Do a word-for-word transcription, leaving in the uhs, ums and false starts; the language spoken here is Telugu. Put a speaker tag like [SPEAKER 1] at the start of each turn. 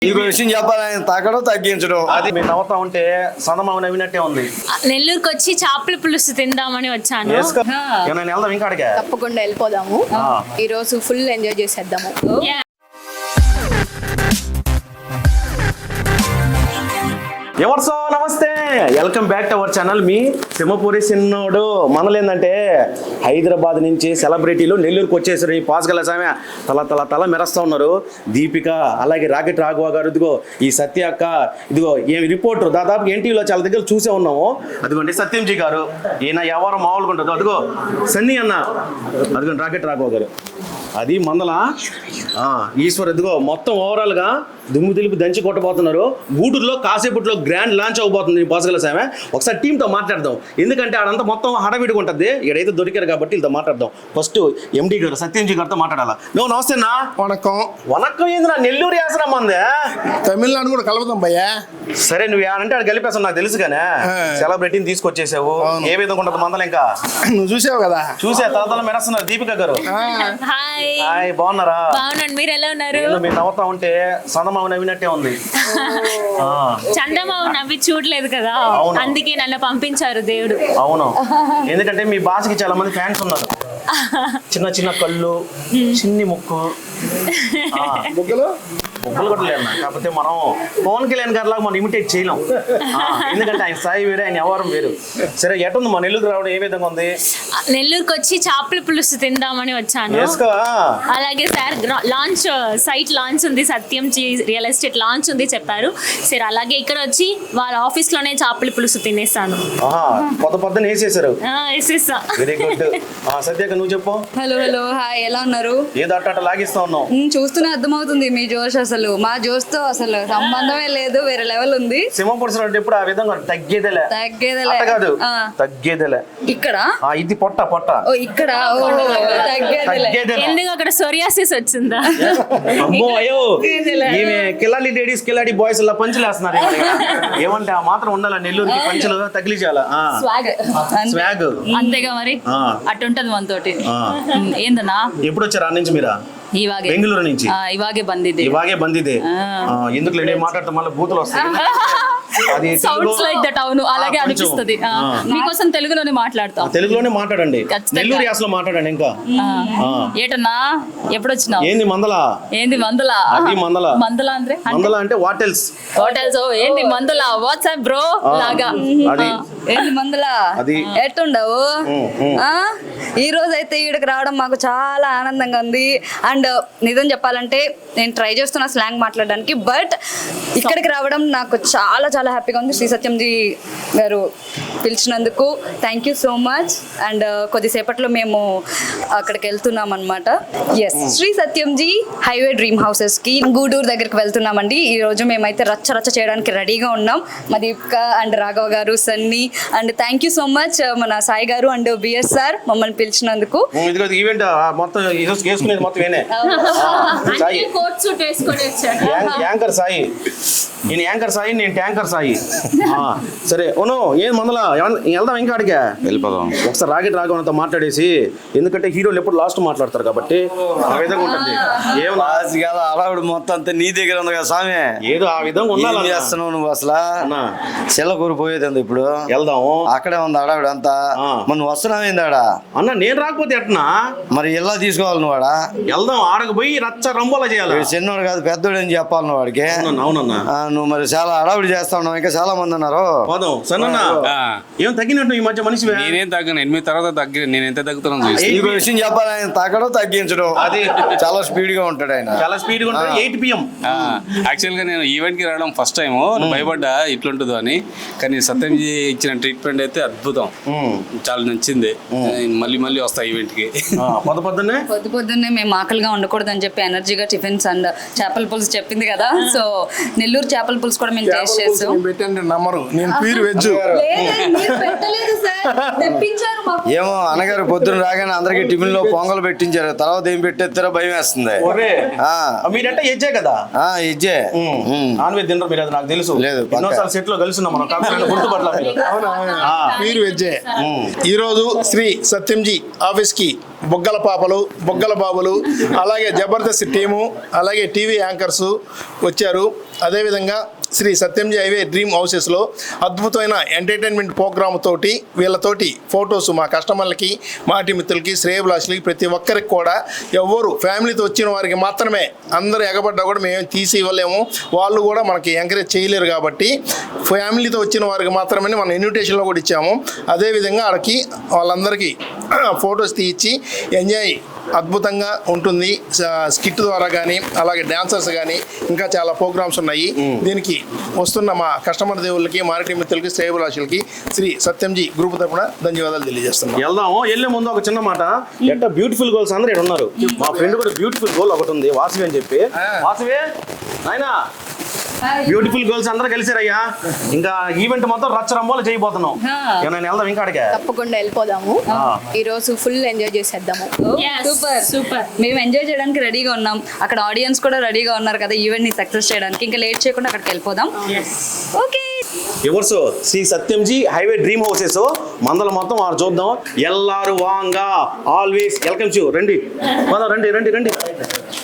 [SPEAKER 1] ఈ విషయం చెప్పాలి, ఆయన తాకడం తగ్గించడం.
[SPEAKER 2] అది మీరు నవ్వుతా ఉంటే సందమామ నవ్వినట్టే ఉంది.
[SPEAKER 3] నెల్లూరుకి వచ్చి చేపల పులుసు తిందామని వచ్చాను.
[SPEAKER 2] నేను వెళ్దాం ఇంకా అడిగా.
[SPEAKER 4] తప్పకుండా వెళ్ళిపోదాము. ఈ రోజు ఫుల్ ఎంజాయ్ చేసేద్దాము.
[SPEAKER 2] ఎవరు సో నమస్తే, welcome back to our channel. మీ సింహపూరి సిన్నోడు. మనలేందంటే హైదరాబాద్ నుంచి సెలబ్రిటీలు నెల్లూరుకి వచ్చేసారు. ఈ పాస్గల సామె తల తల తల మెరస్తా ఉన్నారు. దీపిక, అలాగే రాకెట్ రాఘవ గారు, ఇదిగో ఈ సత్య అక్క, ఇదిగో ఏమి రిపోర్టర్ దాదాపు ఎన్టీవీలో చాలా దగ్గర చూసే ఉన్నాము. అదిగోండి సత్యంజీ గారు, ఈయన ఎవరు మామూలుగా ఉంటుంది. అదిగో సన్నీ అన్న, అదిగోండి రాకెట్ రాఘవ గారు, అది మందల ఈశ్వర్, ఇదిగో మొత్తం ఓవరాల్ గా దుమ్ము దులిపి దంచి కొట్టబోతున్నారు. గూడూరులో కాసేపట్లో గ్రాండ్ లాంచ్ అవబోతుంది పాస్గల సామె. ఒకసారి టీంతో మాట్లాడదాం, ఎందుకంటే ఆడంతా మొత్తం హడావిడిగా ఉంటుంది. ఇక్కడైతే దొరికారు కాబట్టి వీళ్ళతో మాట్లాడదాం. ఫస్ట్ ఎండి గారు సత్యంజీ గారితో మాట్లాడాలా. నువ్వు నమస్తే అన్నా.
[SPEAKER 5] వణకం.
[SPEAKER 2] వనక్కం ఏంది, నెల్లూరు యాసరా మందే,
[SPEAKER 5] తమిళనాడు కూడా కలుపుతాం భయ్యా.
[SPEAKER 2] సరే నువ్వు అంటే ఆడ కలిపేస్తావు నాకు తెలుసు కానీ సెలబ్రిటీని తీసుకొచ్చేసావు. ఏ విధంగా ఉంటుంది మందలు? ఇంకా
[SPEAKER 5] నువ్వు చూసావు కదా.
[SPEAKER 2] చూసే తల తల మెరస్తున్నారు. దీపిక గారు
[SPEAKER 3] హాయ్.
[SPEAKER 2] హాయ్, బాగున్నారా?
[SPEAKER 3] బాగున్నాను, మీరు ఎలా ఉన్నారు?
[SPEAKER 2] మీరు నవ్వుతా ఉంటే సందమామ నవ్వినట్టే ఉంది.
[SPEAKER 3] చందమామ నవ్వి చూడలేదు కదా, అందుకే నన్ను పంపించారు దేవుడు.
[SPEAKER 2] అవును, ఎందుకంటే మీ భాషకి చాలా మంది ఫ్యాన్స్ ఉన్నారు. చిన్న చిన్న కళ్ళు, చిన్ని ముక్కు,
[SPEAKER 5] ముగ్గులు
[SPEAKER 2] ముగ్గులు కూడా లేదు. కాకపోతే మనం పవన్ కళ్యాణ్ గారి లాగా మనం ఇమిటేట్ చేయలేం, ఎందుకంటే ఆయన స్థాయి వేరే, ఆయన వ్యవహారం వేరు. సరే, ఎటుంది మా నెల్లూరు రావడం ఏ విధంగా ఉంది?
[SPEAKER 3] నెల్లూరుకి వచ్చి చేపల పులుసు తిందామని వచ్చాను. అలాగే సార్ లాంచ్ సైట్ లాంచ్ ఉంది, సత్యం రియల్ ఎస్టేట్ లాంచ్ ఉంది చెప్పారు. సరే, అలాగే ఇక్కడ వచ్చి వాళ్ళ ఆఫీస్ లోనే చేపల పులుసు తినేస్తాను.
[SPEAKER 2] పొద్దు పొద్దున వేసేసారు.
[SPEAKER 3] వేసేసా.
[SPEAKER 2] Very good. సత్యాక నువ్వు చెప్పు.
[SPEAKER 4] హలో హలో హాయ్, ఎలా ఉన్నారు?
[SPEAKER 2] ఏదో అట్ట లాగిస్తా ఉన్నావు.
[SPEAKER 4] చూస్తూనే అర్థమవుతుంది మీ జోష్. అసలు మా జోష్ తో అసలు సంబంధమే లేదు, వేరే లెవెల్ ఉంది.
[SPEAKER 2] సింహపురుషుడు ఎప్పుడు ఆ విధంగా తగ్గేదేలే
[SPEAKER 4] తగ్గేదేలే
[SPEAKER 2] కాదు, తగ్గేదేలే.
[SPEAKER 4] ఇక్కడ
[SPEAKER 2] ఇది పొట్ట పొట్ట
[SPEAKER 4] ఓ ఇక్కడ
[SPEAKER 2] తగ్గేదేలే.
[SPEAKER 3] ఎందుకు అక్కడ సోరియాసిస్ వచ్చిందా?
[SPEAKER 2] అమ్మో అయ్యో, ఈమె కిలాడి లేడీస్ కిలాడి బాయ్స్ ఇలా పంచులు వేస్తున్నారు. ఏమంటే ఆ మాత్రం ఉండాలా నెల్లూరుకి, పంచులు తగిలిచాలా. స్వాగ్
[SPEAKER 4] అంతేగా మరి, అట్టుంటది మనతోటి. ఏందన్నా
[SPEAKER 2] ఎప్పుడు వచ్చారు ఆ నుంచి మీరా?
[SPEAKER 4] ఇవాగే
[SPEAKER 2] బెంగళూరు నుంచి.
[SPEAKER 4] ఇవాగే బందిదే
[SPEAKER 2] ఇవాగే బందిదే. ఎందుకు లేని మాట్లాడటం మళ్ళీ బూతులు వస్తాయి. అది
[SPEAKER 4] సౌండ్స్ లైక్ దట్. అవును, అలాగే అనిపిస్తుంది. మీకోసం తెలుగులోనే మాట్లాడతాం.
[SPEAKER 2] తెలుగులోనే మాట్లాడండి, నెల్లూరు యాసలో మాట్లాడండి. ఇంకా
[SPEAKER 4] ఏటన్నా ఎప్పుడు వచ్చినావు?
[SPEAKER 2] ఏంది మందల?
[SPEAKER 4] ఏంది మందల?
[SPEAKER 2] అది మందల.
[SPEAKER 4] మందల అంటే
[SPEAKER 2] మందల అంటే వాట్ ఎల్స్?
[SPEAKER 4] What else? ఏంది మందల? వాట్సాప్ బ్రో లాగా.
[SPEAKER 2] అది
[SPEAKER 4] ఏంది మందల?
[SPEAKER 2] అది
[SPEAKER 4] ఎట్టుండవు? ఈ రోజు అయితే ఈడకి రావడం మాకు చాలా ఆనందంగా ఉంది. అండ్ నిజం చెప్పాలంటే నేను ట్రై చేస్తున్నా స్లాంగ్ మాట్లాడడానికి, బట్ ఇక్కడికి రావడం నాకు చాలా చాలా హ్యాపీగా ఉంది. శ్రీ సత్యంజీ గారు పిలిచినందుకు thank you so much. And కొద్దిసేపట్లో మేము అక్కడికి వెళ్తున్నాం అనమాట. Yes, Shri Satyamji highway dream houses కి గూడూరు దగ్గరికి వెళ్తున్నామండి. ఈ రోజు మేమైతే రచ్చ రచ్చ చేయడానికి రెడీగా ఉన్నాం. మా దీపిక అండ్ రాఘవ గారు, Sunny, and thank you so much మన సాయి గారు అండ్ బిఎస్ సార్ మమ్మల్ని పిలిచినందుకు.
[SPEAKER 2] ఈవెంట్ మొత్తం మొత్తం
[SPEAKER 3] కోట్ సూట్ వేసుకొని వచ్చాను.
[SPEAKER 2] యాంకర్ సాయి, నేను యాంకర్ సాయి, నేను ట్యాంకర్ సాయి. సరే ఓను, ఏం మందల వెళ్దాం ఇంకా అడిగా
[SPEAKER 1] వెళ్ళిపోదాం.
[SPEAKER 2] ఒకసారి రాకెట్ రాఘవన్తో మాట్లాడేసి, ఎందుకంటే హీరోలు ఎప్పుడు లాస్ట్ మాట్లాడతారు కాబట్టి ఆ విధంగా ఉంటుంది. ఏం
[SPEAKER 1] అలవాడు మొత్తం అంతా నీ దగ్గర ఉంది కదా స్వామి,
[SPEAKER 2] ఏదో ఆ విధంగా ఉండాలి.
[SPEAKER 1] చేస్తున్నావు నువ్వు అసలు. చెల్లకూరు పోయేది ఉంది, ఇప్పుడు
[SPEAKER 2] వెళ్దాము.
[SPEAKER 1] అక్కడే ఉంది అడావిడ అంతా. మరి నువ్వు వస్తున్నావు ఏంది ఆడ?
[SPEAKER 2] అన్న నేను రాకపోతే ఎట్నా
[SPEAKER 1] మరి ఎలా తీసుకోవాలి నువ్వు ఆడ?
[SPEAKER 2] వెళ్దాం, ఆడకు పోయి రచ్చ రంబోలా చేయాలి.
[SPEAKER 1] చిన్నోడు కాదు పెద్దోడు అని చెప్పాలి నువ్వు వాడికి.
[SPEAKER 2] అవునన్నా,
[SPEAKER 1] నువ్వు మరి చాలా అడావిడి చేస్తా ఉన్నావు, ఇంకా చాలా మంది ఉన్నారు.
[SPEAKER 2] పోదాం. సన్న ఏం తగ్గినట్టు ఈ మధ్య మనిషి?
[SPEAKER 6] నేనేం తగ్గను, ఎనిమిది తర్వాత తగ్గి నేను ఎంత తగ్గుతున్నాను.
[SPEAKER 1] ఈ విషయం చెప్పాలి, ఆయన తాకడం తగ్గించడం. అది చాలా స్పీడ్ గా ఉంటాడు ఆయన,
[SPEAKER 2] చాలా స్పీడ్ గా ఉంటాడు. ఎయిట్ పిఎం
[SPEAKER 6] యాక్చువల్ గా నేను ఈవెంట్ కి రావడం ఫస్ట్ టైం, భయపడ్డా ఇట్లుంటుందో అని. కానీ సత్యంజీ ఇచ్చిన ట్రీట్మెంట్ అయితే అద్భుతం, చాలా నచ్చింది. మళ్ళీ మళ్ళీ వస్తా ఈవెంట్ కి.
[SPEAKER 2] పొద్దు పొద్దున్నే
[SPEAKER 4] పొద్దు పొద్దున్నే మేము ఆకలిగా ఉండకూడదు అని చెప్పి ఎనర్జీగా టిఫిన్స్ అండ్ చేపల పులుసు చెప్పింది కదా, సో నెల్లూరు చేపల పులుసు కూడా మేము టేస్ట్ చేసాం.
[SPEAKER 5] పెట్టండి నమ్మరు, నేను ప్యూర్ వెజ్.
[SPEAKER 1] ఏమో అన్నగారు పొద్దున రాగానే అందరికి టిఫిన్ లో పొంగల్ పెట్టించారు, తర్వాత ఏం పెట్టేస్తారో భయం వేస్తుంది.
[SPEAKER 2] మీరంటే ఎజ్జే కదా?
[SPEAKER 1] ఇజ్జే
[SPEAKER 2] నాన్ వెజ్ తినరు మీరు, అది నాకు తెలుసు.
[SPEAKER 1] లేదు,
[SPEAKER 2] ఎన్నోసార్లు సెట్ లో కలుసున్నాం మనం, గుర్తుపట్ల.
[SPEAKER 5] ప్యూర్ వెజ్జే. ఈ రోజు శ్రీ సత్యంజీ ఆఫీస్ కి బొగ్గల పాపలు బొగ్గల బాబులు అలాగే జబర్దస్త్ టీము అలాగే టీవీ యాంకర్స్ వచ్చారు. అదేవిధంగా శ్రీ సత్యంజీ హైవే డ్రీమ్ హౌసెస్లో అద్భుతమైన ఎంటర్టైన్మెంట్ ప్రోగ్రామ్ తోటి వీళ్ళతోటి ఫొటోస్ మా కస్టమర్లకి మాటి మిత్రులకి శ్రేయభిలాషులకి ప్రతి ఒక్కరికి కూడా ఎవరు ఫ్యామిలీతో వచ్చిన వారికి మాత్రమే, అందరూ ఎగబడ్డా కూడా మేము తీసి ఇవ్వలేము, వాళ్ళు కూడా మనకి ఎంకరేజ్ చేయలేరు కాబట్టి ఫ్యామిలీతో వచ్చిన వారికి మాత్రమే మనం ఇన్విటేషన్లో కూడా ఇచ్చాము. అదేవిధంగా వాళ్ళకి వాళ్ళందరికీ ఫొటోస్ తీయించి ఎంజాయ్ అద్భుతంగా ఉంటుంది. స్కిట్ ద్వారా కానీ అలాగే డాన్సర్స్ కానీ ఇంకా చాలా ప్రోగ్రామ్స్ ఉన్నాయి. దీనికి వస్తున్న మా కస్టమర్ దేవుళ్ళకి మారిటి మిత్రులకి శ్రేయభిలాషులకి శ్రీ సత్యంజీ గ్రూప్ తరపున ధన్యవాదాలు తెలియజేస్తున్నాం.
[SPEAKER 2] వెళ్దాము. వెళ్ళే ముందు ఒక చిన్న మాట, ఎట్ట బ్యూటిఫుల్ గోల్స్ అందరూ ఇక్కడ ఉన్నారు. మా ఫ్రెండ్ కూడా బ్యూటిఫుల్ గోల్ ఒకటి ఉంది, వాసవి అని చెప్పి. వాసవి నాయనా, బ్యూటిఫుల్ గర్ల్స్ అందరూ కలిసారయ్యా. ఇంకా ఈవెంట్ మొత్తం రచ్చరంబోలు చేయబోతున్నాం. నేను వెళ్దాం ఇంకా అడిగా.
[SPEAKER 7] తప్పకుండా వెళ్ళిపోదాము. ఈ రోజు ఫుల్ ఎంజాయ్ చేసేద్దాము.
[SPEAKER 4] Super super. మేము ఎంజాయ్ చేయడానికి రెడీగా ఉన్నాం, అక్కడ ఆడియన్స్ కూడా రెడీగా ఉన్నారు కదా ఈవెంట్ ని సక్సెస్ చేయడానికి. ఇంకా లేట్ చేయకుండా అక్కడికి వెళ్ళిపోదాం. ఓకే,
[SPEAKER 2] ఎవరు Shri Satyamji highway dream houses మందల మొత్తం వారు చూద్దాం. ఎల్లారు వాంగా ఆల్వేస్ వెల్కమ్ యూ. రండి రండి రండి రండి.